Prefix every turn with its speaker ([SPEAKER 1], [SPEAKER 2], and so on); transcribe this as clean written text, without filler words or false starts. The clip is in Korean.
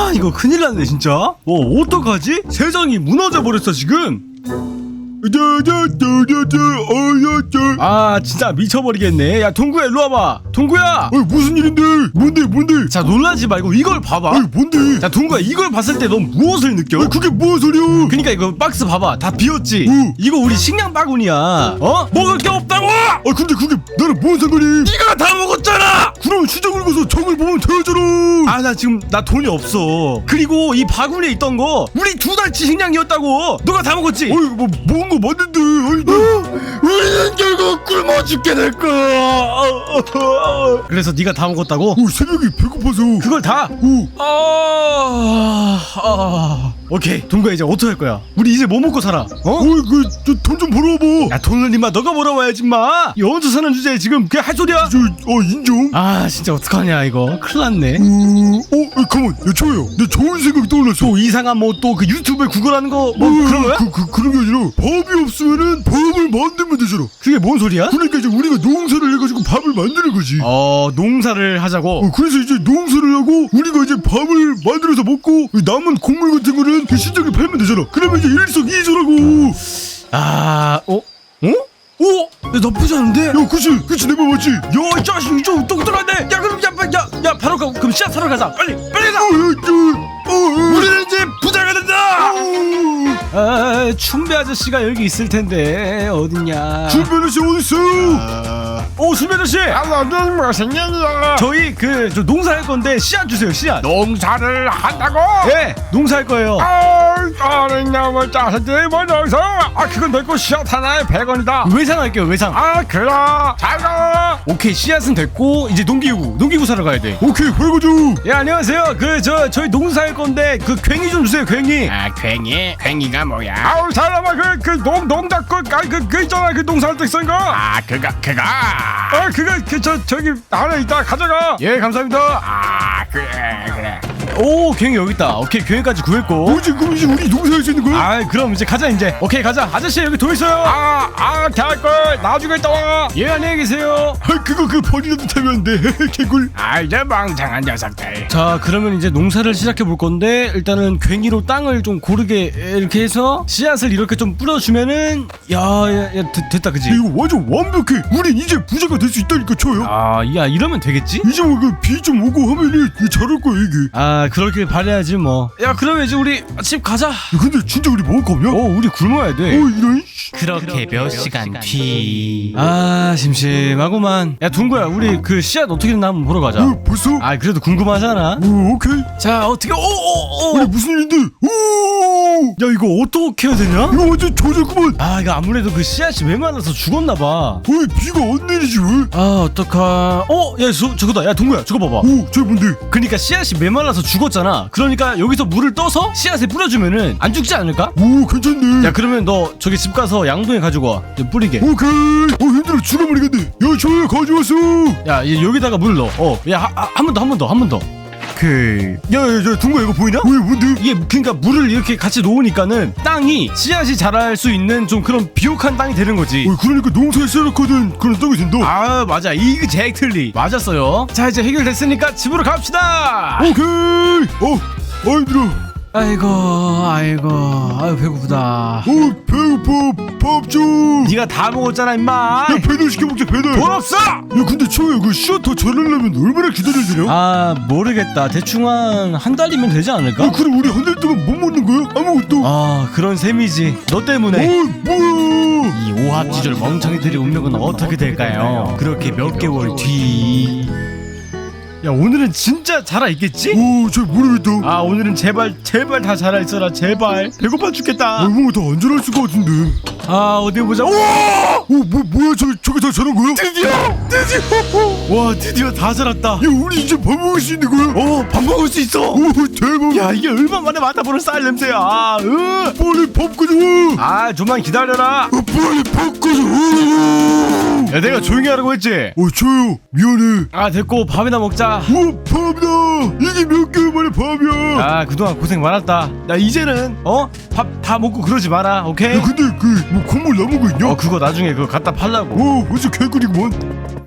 [SPEAKER 1] 아 이거 큰일 났네 진짜. 어떡하지? 세상이 무너져 버렸어 지금. 아 진짜 미쳐버리겠네. 야 동구야 일로 와봐. 동구야.
[SPEAKER 2] 무슨 일인데? 뭔데?
[SPEAKER 1] 자 놀라지 말고 이걸 봐봐.
[SPEAKER 2] 뭔데?
[SPEAKER 1] 자 동구야 이걸 봤을 때 넌 무엇을 느껴?
[SPEAKER 2] 그게 무슨 소리야?
[SPEAKER 1] 그니까 이거 박스 봐봐 다 비었지? 이거 우리 식량 바구니야. 먹을 게 없다고!
[SPEAKER 2] 근데 그게 나랑 뭔 상관이?
[SPEAKER 1] 네가 다 먹었잖아!
[SPEAKER 2] 그럼 시장을 가서 장을 보면 되잖아.
[SPEAKER 1] 아 나 지금 나 돈이 없어. 그리고 이 바구니에 있던 거 우리 2달치 식량이었다고. 너가 다 먹었지?
[SPEAKER 2] 먹은 거 맞는데.
[SPEAKER 1] 우리는 결국 굶어 죽게 될 거야. 그래서 네가 다 먹었다고?
[SPEAKER 2] 새벽에 배고파서.
[SPEAKER 1] 그걸 다? 오케이 동구야 이제 어떡할 거야? 우리 이제 뭐 먹고 살아?
[SPEAKER 2] 돈 좀 벌어와봐.
[SPEAKER 1] 야 돈을 임마 너가 벌어와야지 임마. 이 얹어 사는 주제에 지금 그냥 할 소리야?
[SPEAKER 2] 인정.
[SPEAKER 1] 아 진짜 어떡하냐 이거 큰일 났네.
[SPEAKER 2] 가만. 야 초야 내 좋은 생각이 떠올랐어.
[SPEAKER 1] 또 이상한 뭐 또 그 유튜브에 구글하는 거 뭐 그런 거야?
[SPEAKER 2] 그런 게 아니라 밥이 없으면은 밥을 만들면 되잖아.
[SPEAKER 1] 그게 뭔 소리야?
[SPEAKER 2] 그러니까 이제 우리가 농사를 해가지고 밥을 만드는 거지.
[SPEAKER 1] 농사를 하자고?
[SPEAKER 2] 그래서 이제 농사를 하고 우리가 이제 밥을 만들어서 먹고 남은 곡물 같은 거는 그 시장에 팔면 되잖아. 그러면 이제 일석이조라고.
[SPEAKER 1] 야, 나쁘지 않은데?
[SPEAKER 2] 야 그치 내 말 맞지?
[SPEAKER 1] 야 이 자식 이쪽 똑똑하네. 야 그럼 야 바로 가. 그럼 씨앗 사러 가자. 빨리 가자. 우리는 이제 부자가 된다. 춘배 아저씨가 여기 있을 텐데 어딨냐?
[SPEAKER 2] 춘배 아저씨 어딨어요?
[SPEAKER 1] 춘배 아저씨.
[SPEAKER 3] 무슨 일이야?
[SPEAKER 1] 저희 저 농사할 건데 씨앗 주세요. 씨앗.
[SPEAKER 3] 농사를 한다고?
[SPEAKER 1] 예, 농사할 거예요.
[SPEAKER 3] 어린 놈의 자식들이 뭐 여기서? 그건 내거 씨앗 하나에 100원이다.
[SPEAKER 1] 외상할게요 외상.
[SPEAKER 3] 그래 잘가.
[SPEAKER 1] 오케이 씨앗은 됐고 이제 농기구 사러 가야 돼.
[SPEAKER 2] 오케이 벌거죠.
[SPEAKER 1] 예 안녕하세요. 저희 농사할 건데 그 괭이 좀 주세요. 괭이.
[SPEAKER 3] 괭이가 뭐야? 사람아 농작 그 있잖아 그 농사할 때 쓴 거. 그거 저기 안에 있다 가져가.
[SPEAKER 1] 예 감사합니다.
[SPEAKER 3] 그래.
[SPEAKER 1] 오 괭이 여기 있다. 오케이 괭이까지 구했고.
[SPEAKER 2] 그럼 이제 우리 농사할 수 있는 거야?
[SPEAKER 1] 그럼 이제 가자 이제. 오케이 가자. 아저씨 여기 돈 있어요.
[SPEAKER 3] 개꿀 나중에 또 와.
[SPEAKER 1] 예 안녕히 계세요.
[SPEAKER 2] 그거 버리라도 타면 안 돼. 개꿀.
[SPEAKER 3] 이제 멍청한 녀석들.
[SPEAKER 1] 자 그러면 이제 농사를 시작해 볼 건데 일단은 괭이로 땅을 좀 고르게 이렇게 해서 씨앗을 이렇게 좀 뿌려주면은 야 됐다 그지?
[SPEAKER 2] 이거 완전 완벽해. 우린 이제 부자가 될 수 있다니까 쳐요.
[SPEAKER 1] 야 이러면 되겠지?
[SPEAKER 2] 이제 비 좀 오고 하면은 잘할 거야 이게.
[SPEAKER 1] 그렇길 바라야지 뭐. 야 그러면 이제 우리 집 가자.
[SPEAKER 2] 근데 진짜 우리 먹을 거 없냐?
[SPEAKER 1] 우리 굶어야 돼.
[SPEAKER 2] 이런.
[SPEAKER 1] 그렇게 몇 시간 뒤. 심심하구만. 야 둥구야 우리 그 씨앗 어떻게 됐나 한번 보러 가자.
[SPEAKER 2] 벌써?
[SPEAKER 1] 그래도 궁금하잖아.
[SPEAKER 2] 오케이.
[SPEAKER 1] 자 어떻게
[SPEAKER 2] 우리 무슨 일인데?
[SPEAKER 1] 야 이거 어떻게 해야 되냐?
[SPEAKER 2] 이거 완전 조작구만.
[SPEAKER 1] 이거 아무래도 그 씨앗이 메말라서 죽었나봐.
[SPEAKER 2] 비가 안 내리지 왜?
[SPEAKER 1] 어떡하. 야 저거다. 야 동구야 저거 봐봐.
[SPEAKER 2] 저 뭔데?
[SPEAKER 1] 그러니까 씨앗이 메말라서 죽었잖아. 그러니까 여기서 물을 떠서 씨앗에 뿌려주면은 안 죽지 않을까?
[SPEAKER 2] 괜찮네.
[SPEAKER 1] 야 그러면 너 저기 집 가서 양동이 가지고 와. 뿌리게.
[SPEAKER 2] 오케이. 힘들어 죽어버리겠네. 야 저야 가져왔어.
[SPEAKER 1] 야 여기다가 물 넣어. 야 한 번 더.
[SPEAKER 2] 야 둥가 이거 보이냐? 왜 뭔데?
[SPEAKER 1] 이게 그러니까 물을 이렇게 같이 놓으니까는 땅이 씨앗이 자랄 수 있는 좀 그런 비옥한 땅이 되는 거지.
[SPEAKER 2] 그러니까 농사에 시작하던 그런 땅이 된다.
[SPEAKER 1] 맞아. 이그젝틀리 맞았어요. 자 이제 해결됐으니까 집으로 갑시다.
[SPEAKER 2] 오케이. 힘들어.
[SPEAKER 1] 아이고 배고프다.
[SPEAKER 2] 배고파. 밥 좀.
[SPEAKER 1] 네가 다 먹었잖아 임마.
[SPEAKER 2] 야 배달 시켜 먹자 배달.
[SPEAKER 1] 돈 없어.
[SPEAKER 2] 야 근데 초야 그 씨앗 더 자라려면 얼마나 기다려야 되냐?
[SPEAKER 1] 모르겠다. 대충 한 달이면 되지 않을까?
[SPEAKER 2] 그럼 우리 한 달 동안 못 먹는 거야? 아무것도?
[SPEAKER 1] 그런 셈이지. 너 때문에.
[SPEAKER 2] 뭐야?
[SPEAKER 1] 이 오합지졸 멍청이들의 운명은 어떻게 될까요? 그렇게 몇 개월 뒤. 야 오늘은 진짜 자라있겠지?
[SPEAKER 2] 잘 모르겠다.
[SPEAKER 1] 오늘은 제발 다 자라있어라 제발. 배고파 죽겠다.
[SPEAKER 2] 뭔가 다 안 자랄 수가 같은데.
[SPEAKER 1] 어디 보자.
[SPEAKER 2] 뭐야 저게 다 자란 거야?
[SPEAKER 1] 드디어 와 드디어 다 자랐다.
[SPEAKER 2] 야 우리 이제 밥 먹을 수 있는 거야?
[SPEAKER 1] 밥 먹을 수 있어.
[SPEAKER 2] 대박.
[SPEAKER 1] 야 이게 얼마 만에 맡아보는 쌀 냄새야.
[SPEAKER 2] 빨리 밥 가져와.
[SPEAKER 1] 좀만 기다려라.
[SPEAKER 2] 빨리 밥 가져와.
[SPEAKER 1] 야 내가 조용히 하라고 했지?
[SPEAKER 2] 저요 미안해.
[SPEAKER 1] 됐고 밥이나 먹자.
[SPEAKER 2] 밥이다. 이게 몇 개월 만에 밥이야.
[SPEAKER 1] 그동안 고생 많았다. 야 이제는 밥 다 먹고 그러지 마라. 오케이?
[SPEAKER 2] 근데 뭐 콧물 남은 거 있냐?
[SPEAKER 1] 그거 나중에 그거 갖다 팔라고.
[SPEAKER 2] 완전 개꿀이구먼.